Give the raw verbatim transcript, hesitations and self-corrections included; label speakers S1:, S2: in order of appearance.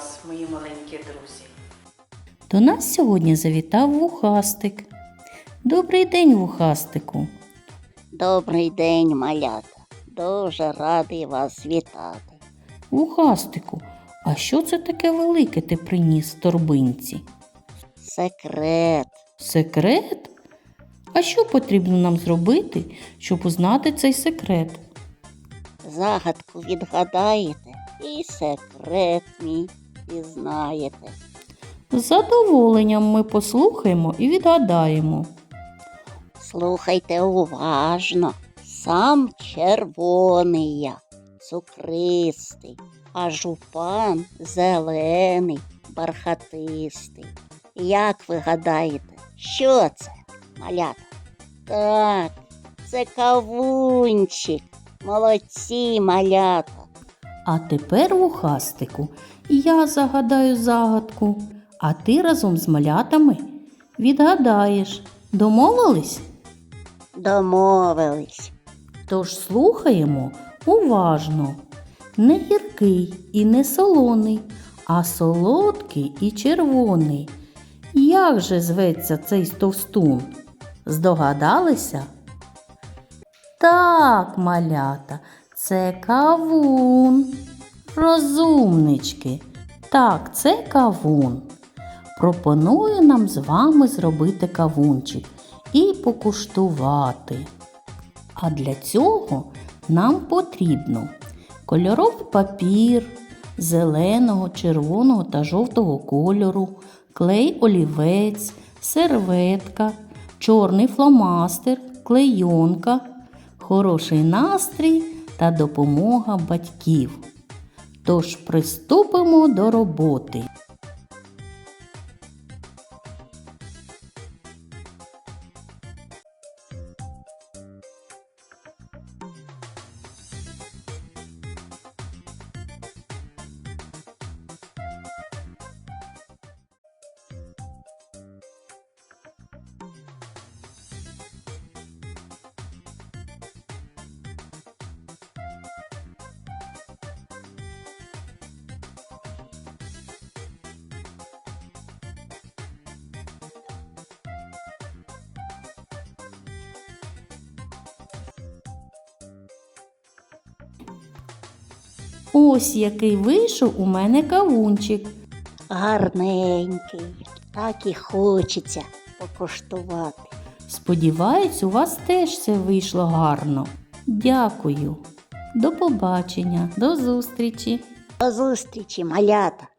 S1: вас, мої маленькі друзі!
S2: До нас сьогодні завітав Вухастик. Добрий день, Вухастику!
S3: Добрий день, малята. Дуже радий вас вітати.
S2: Вухастику, а що це таке велике ти приніс в торбинці?
S3: Секрет.
S2: Секрет? А що потрібно нам зробити, щоб узнати цей секрет?
S3: Загадку відгадаєте і секрет мій пізнаєте.
S2: З задоволенням ми послухаємо і відгадаємо.
S3: Слухайте уважно. Сам червоний я, цукристий, а жупан зелений, бархатистий. Як ви гадаєте, що це, малята? Так, це кавунчик. Молодці, малята.
S2: А тепер, Вухастику, я загадаю загадку, а ти разом з малятами відгадаєш. Домовились?
S3: Домовились.
S2: Тож слухаємо уважно. Не гіркий і не солоний, а солодкий і червоний. Як же зветься цей товстун? Здогадалися? Так, малята, це кавун. Розумнички. Так, це кавун. Пропоную нам з вами зробити кавунчик і покуштувати. А для цього нам потрібно кольоровий папір зеленого, червоного та жовтого кольору, клей олівець, серветка, чорний фломастер, клейонка, хороший настрій та допомога батьків. Тож приступимо до роботи. Ось який вийшов у мене кавунчик.
S3: Гарненький. Так і хочеться покуштувати.
S2: Сподіваюсь, у вас теж все вийшло гарно. Дякую. До побачення, до зустрічі.
S3: До зустрічі, малята.